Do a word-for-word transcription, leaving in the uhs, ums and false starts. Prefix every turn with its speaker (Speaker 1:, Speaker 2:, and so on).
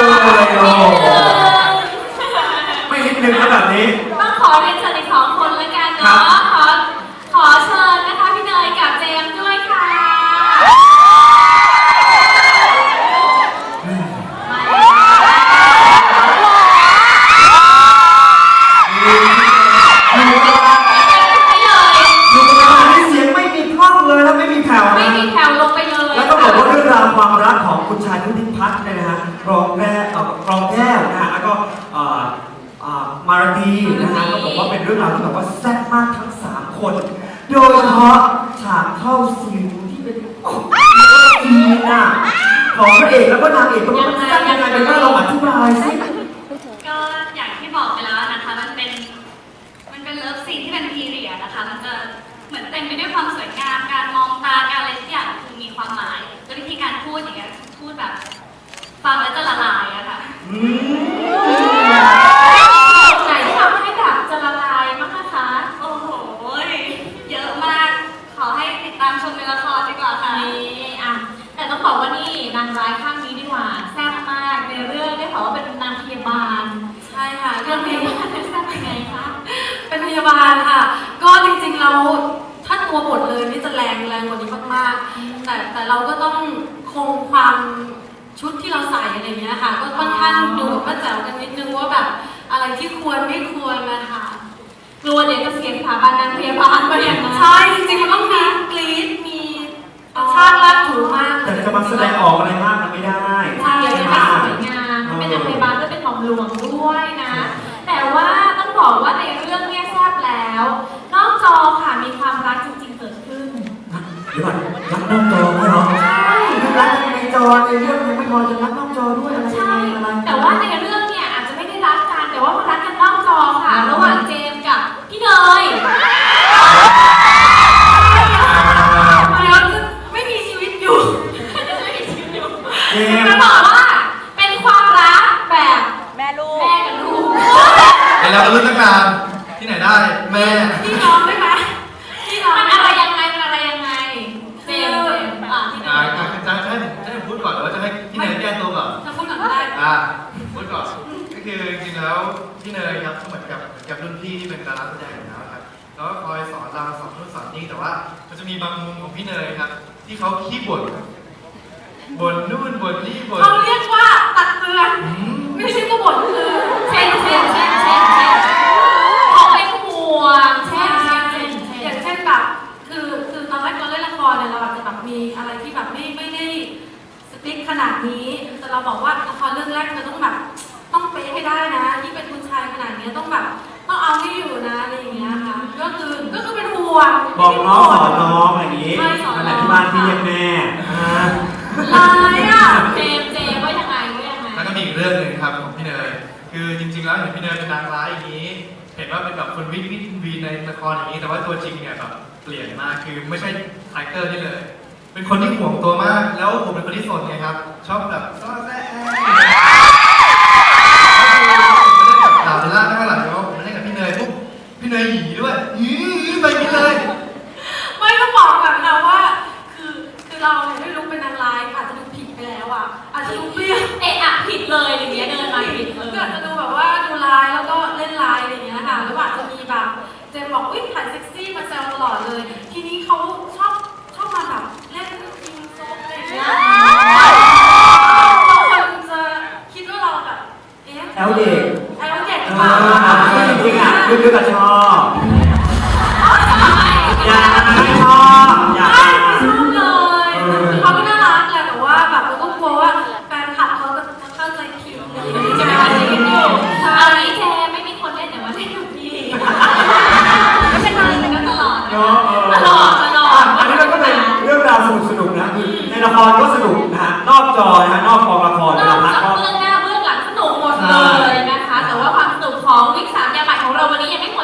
Speaker 1: ไม่นิดนึงก็แบบนี้
Speaker 2: ต้องขอเรียนเชิญอีกสองคนแล้วกันเนาะขอขอเชิญนะคะพี่เนยกับเจมส์ด้วยค่ะไม่มีแถวลงไปเลย
Speaker 1: แล้วก็บอกว่าเรื่องราวความรักของคุณชายนุติพัฒน์เนี่ยนะฮะกรองแก้วกรองแก้วนะฮะแล้วก็มาราดีนะฮะก็บอกว่าเป็นเรื่องราวที่แบบว่าแซ่บมากทั้งสามคนโดยเฉพาะฉากเข้าซีนที่เป็นซีนน่ะของพระเอกแล้วก็นางเอกก็มันแซ่บยังไงเป็นก็ลองอธิบายสิ
Speaker 3: ก็อย่างที่บอกไปแล้วนะคะมันเป็นมันเป็นเลิฟซีนที่เป็นพีเรียดนะคะมันจะเหมือนเต็มไปด้วยความสวยงามการมองตาการอะไรทุกอย่างคือมีความหมายแล้ววิธีการพูดอย่างเงี้ยพูดแบบฟังแล้วจะละลายอะค่ะ
Speaker 2: ไหนที่ทำให้แบบจะละลายมากนะคะ
Speaker 3: โอ้โหเยอะมากขอให้ติดตามชมในละครดีกว่าค่ะ
Speaker 2: นี่อะแต่ต้องบอกว่านี่นางร้ายข้างนี้ดีกว่าแซ่บมากในเรื่องได้บอกว่าเป็นนางพยาบาล
Speaker 4: ใช่ค่ะ
Speaker 2: เรื่องพยาบาลแซ่บยังไงคะ
Speaker 4: เป็นพยาบาลค่ะก็จริงๆเราถ้าตัวบทเลยนี่จะแรงแรงกว่านี้มากๆแต่แต่เราก็ต้องคงความชุดที่เราใส่อะไรเงี้ยค่ะก็ค่อนข้างดูแบบว่าแจ๋วกันนิดนึงว่าแบบอะไรที่ควรไม่ควรนะคะ
Speaker 2: กลัวเดี๋ยวจะเสียสถาบันนางพยาบาลไปอย่างนั้น
Speaker 4: ใช่จริงๆมันต้องมีกรี๊ดมีชาติรักถูมาก
Speaker 1: แต่จะมาแสดงออกอะไรมากมันไม่ได้
Speaker 2: ใช่จะเป็นสวยงามเป็นนางพยาบาลก็เป็นของหลวงด้วยนะแต่ว่าต้องบอกว่าในเรื่องเนี่ยแซ่บแล้วนอกจอค่ะมีความรักจริงๆเกิดขึ้น
Speaker 1: เดี๋ยวก่อนรักนอกจอไม่หรอใช่รักในจอในเรื่องยังไม่พอจะรักนอกจอด้วยอะไร
Speaker 2: ใช่แต่ว่าในเรื่องเนี่ยอาจจะไม่ได้รักกันแต่ว่ามันรักกันนอกจอค่ะระหว่างเจมส์กับพี่เนย
Speaker 4: ไม่มีชีวิตอยู่
Speaker 2: ไม่มีชีวิตอยู่จะบอกว่าเป็นความรักแบบ
Speaker 3: แม่ลูก
Speaker 2: แม่กับลูก
Speaker 5: ไอ้เราก็รู้ตั้งนานที่ไหนได้แม่
Speaker 4: พี่น้องได้ไหม
Speaker 2: พี่น้องมันอะไรยังไงมันอะไรยังไงเจมส์อ่ะพี่เนย
Speaker 5: จะให้จะให้พูดก่อนหรือว่าจะให้พี่เนยแก้ตัวก่อน
Speaker 4: จะพูดก่อนก็ได้
Speaker 5: อ่ะพูดก่อนก็คือจริงๆแล้วพี่เนยครับเหมือนกับกับรุ่นพี่ที่เป็นดาราแสดงอยู่แล้วครับแล้วก็คอยสอนเราสอนนู่นสอนนี่แต่ว่ามันจะมีบางมุมของพี่เนยครับที่เขาขี้บ่นบ่นนู่นบ่นนี่บ่น
Speaker 4: เขาเรียกว่าตักเตือนไม่ใช่ก็บ่นคือ
Speaker 2: เช่นเช่นเช่นเช่นเช่นเขาเป็นห่วงเช่นเช่นเช่น
Speaker 4: อย่างเช่นแบบคือคือตอนแรกเราเล่นละครเนี่ยเราอาจจะแบบมีอะไรที่แบบไม่ไม่ได้สติ๊กขนาดนี้แต่เราบอกว่าละครเรื่องแรกเราต้องแบบต้องเป๊ะให้ได้นะที่เป็นคุณชายขนาดนี้ต้องแบบต้องเอาให้อยู่นะอะไรอย่างเงี้ยค่ะก็คือก็คือเป็นห่วง
Speaker 1: บอกน้องสอนน้องอะไรอย่างงี้นั่นแหละที่บ้านพี่เรียกแม่
Speaker 4: อะไรอ่ะ
Speaker 2: เจมเจมว่ายังไงว่ายังไง
Speaker 5: แล้วก็มีอีกเรื่องหนึ่งครับของพี่เนยคือจริงๆแล้วเห็นพี่เนยเป็นนางร้ายอย่างนี้เห็นว่าเป็นแบบคนวิ่งวิ่งวีในละครอย่างนี้แต่ว่าตัวจริงเนี่ยแบบเปลี่ยนมากคือไม่ใช่คาแรคเตอร์นี่เลยเป็นคนที่ห่วงตัวมากแล้วผมเป็นคนที่สนไงครับชอบแบบซ่อแซ่ดาบเบลล่าข้างหลังเพราะผมเล่นกับพี่เนยปุ๊บพี่เนยหยีด้วยหยีไปพี่เลย
Speaker 4: ไม่ต้องบอกแบบนะว่าคือคือเราเนี่ยไม่รู้เป็นนางร้ายอาจจะดูผิดไปแล้วอ่ะอาจจะดูเปรี้ยว
Speaker 2: เอะอะผิดเลยอย่างเงี้ยเดินมาผิดเลย
Speaker 4: ก็อาจจะดูแบบว่าดูร้ายแล้วก็เล่นร้ายอะไรอย่างเงี้ยค่ะแล้วอาจจะมีแบบเจมบอกอุ้ยถ่ายเซ็กซี่มาแซวตลอดเลยทีนี้เขาชอบชอบมาแบบเล่นยิงโซ่อะไรอย่างเงี้ยบางคนจะคิดว่าเราแบบเอ๊ะ
Speaker 1: แอลเด็ก
Speaker 4: แอลเด็กหรือเปล่า
Speaker 1: จริงๆอ่ะคือคือกับชอบอย่าไม่ชอบอย่า
Speaker 4: ไม่ชอบเลยเขาก็น่ารักแหละแต่ว่าแบบเราก็กลัวว่าแฟนคลับเขาจะเข้าใจผิด
Speaker 2: ใช่ไหมคะจะยังอยู่เอานี้เจไม่มีคนเล่นแต่ว่าเล่นอยู่พี่ไม่เป็นไรเป็นกันตลอดตลอดตลอด
Speaker 1: อันนี้มันก็เป็นเรื่องราวสนุกสนุกนะคือในละครก็สนุกนะฮะนอกจอนะฮะนอกกองละคร
Speaker 2: นอกจากเบื้องหน้าเบื้องหลังสนุกหมดเลยนะคะแต่ว่าความสนุกของวิกสามยาใหม่ของเราวันนี้ยังไม่หมด